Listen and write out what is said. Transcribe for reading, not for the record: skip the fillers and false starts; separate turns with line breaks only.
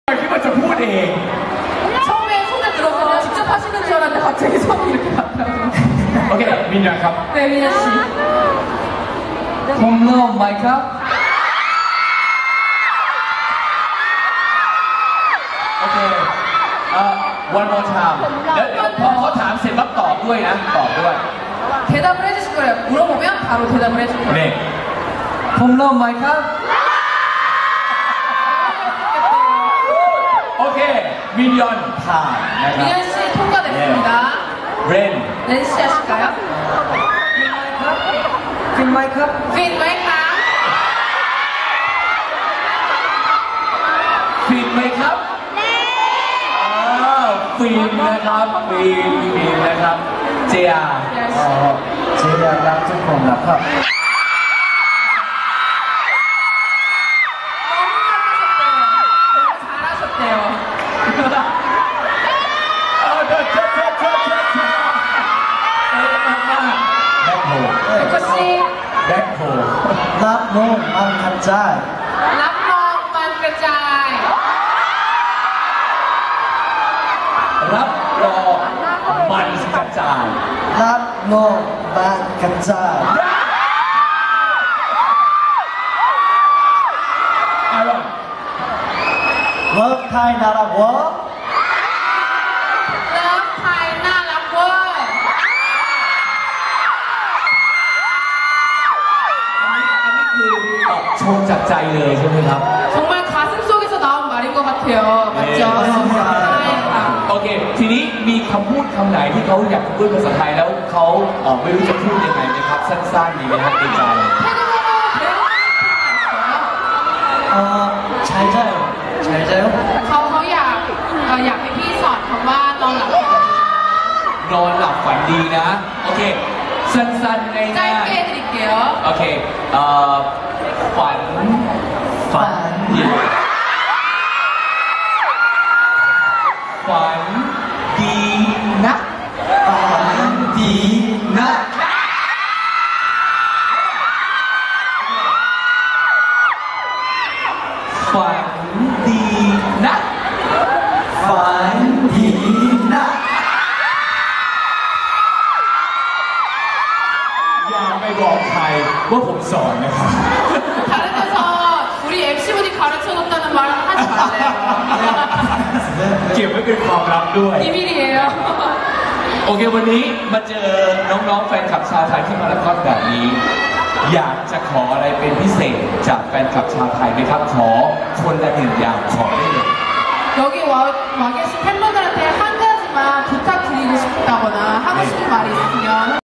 คิดว่าจะพูดเอง
처음에 손을 들어서 직접 하시는 줄 알았는데 갑자기 손이 이렇게 갔더라고요.
โอเคมินยาครับ
네, 민현 씨.
홈런 마이크.
Okay. One more time. แล้วพอเขาถามเสร็จปั๊บตอบด้วยนะตอบด้วย
대답을 해주실 거예요. 물어보면 바로 대답을 해줄 거예요.
네.
홈런 마이크.
โอเคมินยอนผ่านนะครับ
민현 씨 통과됐습니다.
เรน
렌 씨 하실까요?
퀸 마이크.
퀸 마이크.
ฟินไหมครับฟินนะครับฟินนะครับเจีย
제야랑 조금 나파.
너무 잘하셨대요. 백호 씨.
백호.
랍노 망카짤.
랍롱만 그자이.
รับรองมันกระจาย
랍노 망카짤.
อะไร
워타이 나라 워.
럽 타이 나라고.
อันนี้คือชมจากใจเลยใช่ไหมครับ
정말 가슴 속에서 나온 말인 것 같아요. 맞죠? 네.
โอเคทีนี้มีคำพูดคำไหนที่เขาอยากพูดภาษาไทยแล้วเขาไม่รู้จะพูดยังไงนะครับสั้นๆดีไหมครับในใจ
태국어로 배우고 싶은 거 있어요?
잘 자요. 잘 자요?
เขาอยากให้พี่สอนคำว่านอนหลับ
นอนหลับฝันดีนะโอเคสั้นๆง่าย
짧게 해드릴게요.
ๆโอเคฝันดีฝันดีนะ
반디나.
ฝันดีนะ
반디나.
อย่าไปบอกใครว่าผมสอนนะครับ
다른 데서 우리 MC분이 가르쳐줬다는 말 하지 말래요.
เก็บไว้เป็นความลับด้วย
비밀이에요.
โอเควันนี้มาเจอน้องๆแฟนคลับชาวไทยที่มาราธอนแบบนี้ อยากจะขออะไรเป็นพิเศษจากแฟนคลับชาวไทยไหมครับขอคนละหนึ่งอย่างขอได้เลย
여기 와 계신 팬분들한테 한 가지만 부탁드리고 싶다거나 하고 싶은 말이 있으면